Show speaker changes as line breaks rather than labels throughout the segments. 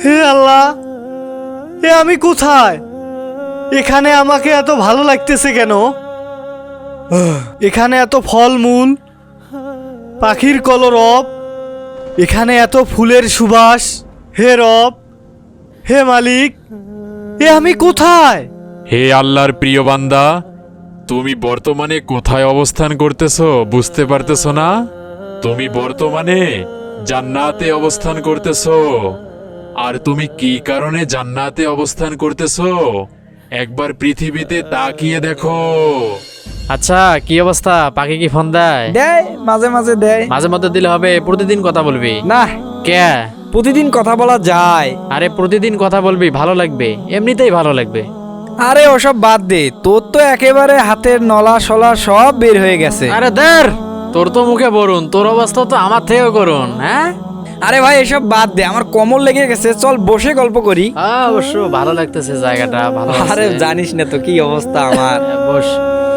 হে আল্লাহ, এ আমি কোথায়? এখানে আমাকে এত ভালো লাগতেছে কেন? এখানে এত ফলমূল, পাখির কলরব, এখানে এত ফুলের সুবাস। হে রব, হে মালিক, এ আমি কোথায়?
হে আল্লাহর প্রিয় বান্দা, তুমি বর্তমানে কোথায় অবস্থান করতেছো বুঝতে পারতেছো না? তুমি বর্তমানে জান্নাতে অবস্থান করতেছো। আর তুমি কি কারণে জান্নাতে অবস্থান করতেছো একবার পৃথিবীতে তাকিয়ে দেখো।
আচ্ছা, কি অবস্থা? পাখি কি ফোন দেয়?
দেয়, মাঝে মাঝে দেয়।
মাঝে মধ্যে দিলে হবে? প্রতিদিন কথা বলবি?
না,
কে?
প্রতিদিন কথা বলা যায়?
আরে প্রতিদিন কথা বলবি, ভালো লাগবে, এমনিতেই ভালো লাগবে।
আরে ওসব বাদ দে, তোর তো একেবারে হাতের নলা সলা সব বের হয়ে গেছে।
আরে দের, তোর তো মুখে বলুন, তোর অবস্থা তো আমার থেকেও করুন। হ্যাঁ,
আরে ভাই এসব বাদ দে, আমার কোমর লেগে গেছে, চল বসে গল্প করি।
অবশ্য ভালো লাগতেছে জায়গাটা, ভালো আছে।
আরে জানিস না তো কি অবস্থা আমার।
বস।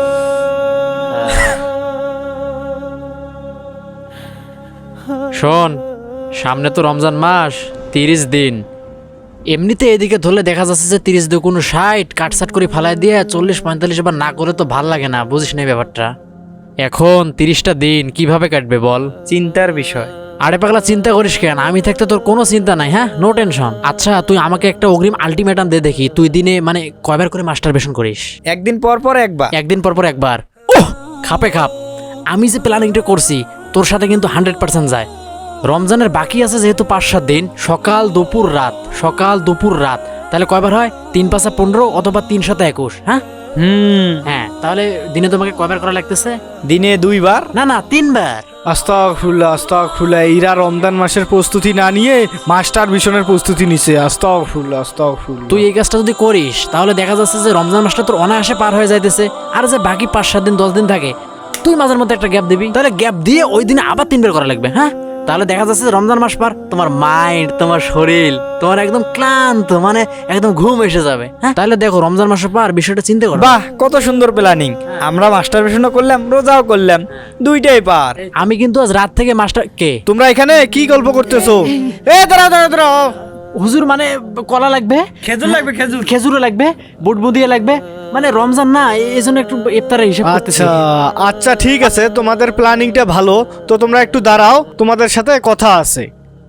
শোন, সামনে তো রমজান মাস, 30 দিন। এমনিতে এদিকে ধরলে দেখা যাচ্ছে যে 30 দিন কোনো 60 কাটসাট করে ফালাই দিয়ে 40-45 বার না করে তো ভাল লাগে না, বুঝিস না ব্যাপারটা? এখন 30টা দিন কিভাবে কাটবে বল?
চিন্তার বিষয়।
আরে পাগলা, চিন্তা করিস কেন? আমি থাকতে তোর কোনো চিন্তা নাই। হ্যাঁ, নো টেনশন। আচ্ছা, তুই আমাকে একটা অগ্রিম আলটিমেটাম দে দেখি, তুই দিনে মানে কয়বার করে মাস্টারবেশন করিস?
একদিন পর পর একবার।
একদিন পর পর একবার? ওহ, খাপে খাপ। আমি যে প্ল্যানিংটা করছি তোর সাথে কিন্তু 100% যায়। রমজানের বাকি আছে যেহেতু 5-7 দিন, সকাল দুপুর রাত, সকাল দুপুর রাত, তাহলে কয়বার হয়? 3-5-15 অথবা 3-7-21। হ্যাঁ হ্যাঁ, তাহলে দিনে তোমাকে কয়বার করা লাগতেছে?
দিনে 2 বার।
না না, 3 বার।
আস্তাগফিরুল্লাহ, আস্তাগফিরুল্লাহ। এরা রমজান মাসের প্রস্তুতি না নিয়ে মাস্টার মিশনের প্রস্তুতি নিছে। আস্তাগফিরুল্লাহ, আস্তাগফিরুল্লাহ।
তুই এই কাজটা যদি করিস তাহলে দেখা যাচ্ছে যে রমজান মাসটা তোর অনায়াসে পার হয়ে যাইতেছে। আর যে বাকি 5-7 দিন 10 দিন থাকে, তুই মাঝের মধ্যে একটা গ্যাপ দিবি, তাহলে গ্যাপ দিয়ে ওই দিনে আবার 3 বার করা লাগবে। হ্যাঁ, তাহলে দেখা যাচ্ছে যে রমজান মাস পার তোমার মাইন্ড, তোমার শরীর, তোমার একদম ক্লান্ত, মানে একদম ঘুম এসে যাবে। হ্যাঁ, তাহলে দেখো রমজান মাস পার বিষয়টা চিন্তা করো।
বাহ, কত সুন্দর প্ল্যানিং। আমরা মাস্টারবেশনও করলাম, রোজাও করলাম, দুইটাই পার।
আমি কিন্তু আজ রাত থেকে মাস্টার কে
তোমরা এখানে কি গল্প করতেছো? এ দাঁড়াও দাঁড়াও দাঁড়াও।
হুজুর, মানে কলা লাগবে,
খেজুর লাগবে, খেজুর।
খেজুরও লাগবে, বুটবুদিয়ে লাগবে, মানে রমজান না, এই জন্য একটু ইফতারের হিসাব করতেছি।
আচ্ছা আচ্ছা, ঠিক আছে, তোমাদের প্ল্যানিংটা ভালো। তো তোমরা একটু দাঁড়াও, তোমাদের সাথে কথা আছে।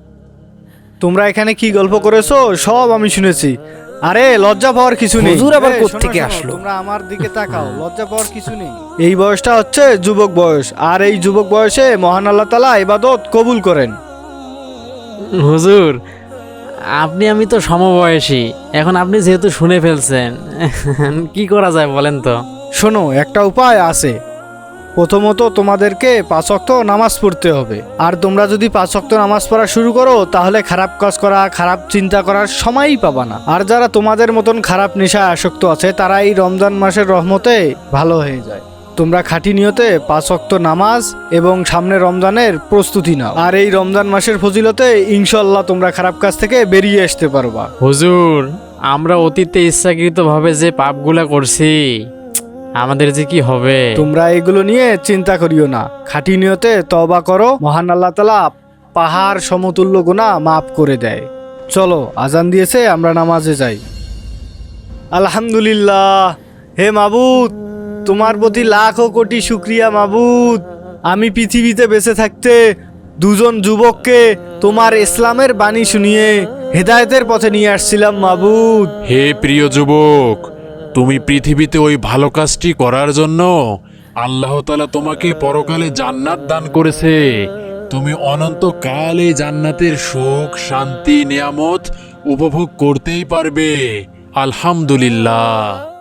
তোমরা এখানে কি গল্প করেছো সব আমি শুনেছি। আরে লজ্জা পাওয়ার কিছু নেই।
হুজুর আবার
এই,
কোত্থেকে
শোনো, শোনো,
আসলো?
তোমরা আমার দিকে তাকাও, লজ্জা পাওয়ার কিছু নেই। এই বয়সটা হচ্ছে যুবক বয়স, আর এই যুবক বয়সে মহান আল্লাহ তাআলা ইবাদত কবুল করেন।
হুজুর, আমি তো সমবয়সী। এখন আপনি যেহেতু শুনে ফেলছেন, কি করা যায় বলেন তো?
শোনো, একটা উপায় আছে। প্রথমত তোমাদেরকে 5 ওয়াক্ত নামাজ পড়তে হবে। আর তোমরা যদি 5 ওয়াক্ত নামাজ পড়া শুরু করো তাহলে খারাপ কাজ করা, খারাপ চিন্তা করার সময়ই পাবা না। আর যারা তোমাদের মতন খারাপ নেশায় আসক্ত আছে তারা এই রমজান মাসের রহমতে ভালো হয়ে যায়। তোমরা খাঁটি নিয়তে 5 ওয়াক্ত নামাজ এবং সামনে রমজানের প্রস্তুতি নাও। আর এই রমজান মাসের ফজিলতে ইনশাআল্লাহ তোমরা খারাপ কাজ থেকে বেরিয়ে আসতে পারবা।
হুজুর, আমরা অতীতে ইচ্ছাকৃতভাবে যে পাপগুলা করছি, আমাদের যে কি হবে?
তোমরা এগুলো নিয়ে চিন্তা করিও না, খাঁটি নিয়তে তওবা করো, মহান আল্লাহ তাআলা পাহাড় সমতুল্য গুনাহ মাফ করে দেয়। চলো, আজান দিয়েছে, আমরা নামাজে যাই। আলহামদুলিল্লাহ। হে মাবুদ, তোমার প্রতি লাখো কোটি শুকরিয়া মাবুদ। আমি পৃথিবীতে বেঁচে থাকতে 2জন যুবককে তোমার ইসলামের বাণী শুনিয়ে হেদায়েতের পথে নিয়ে আসছিলাম মাবুদ।
হে প্রিয় যুবক, তুমি পৃথিবীতে ওই ভালো কাজটি করার জন্য আল্লাহ তাআলা তোমাকে পরকালে জান্নাত দান করেছে। তুমি অনন্তকালে জান্নাতের সুখ, শান্তি, নিয়ামত উপভোগ করতেই পারবে। আলহামদুলিল্লাহ।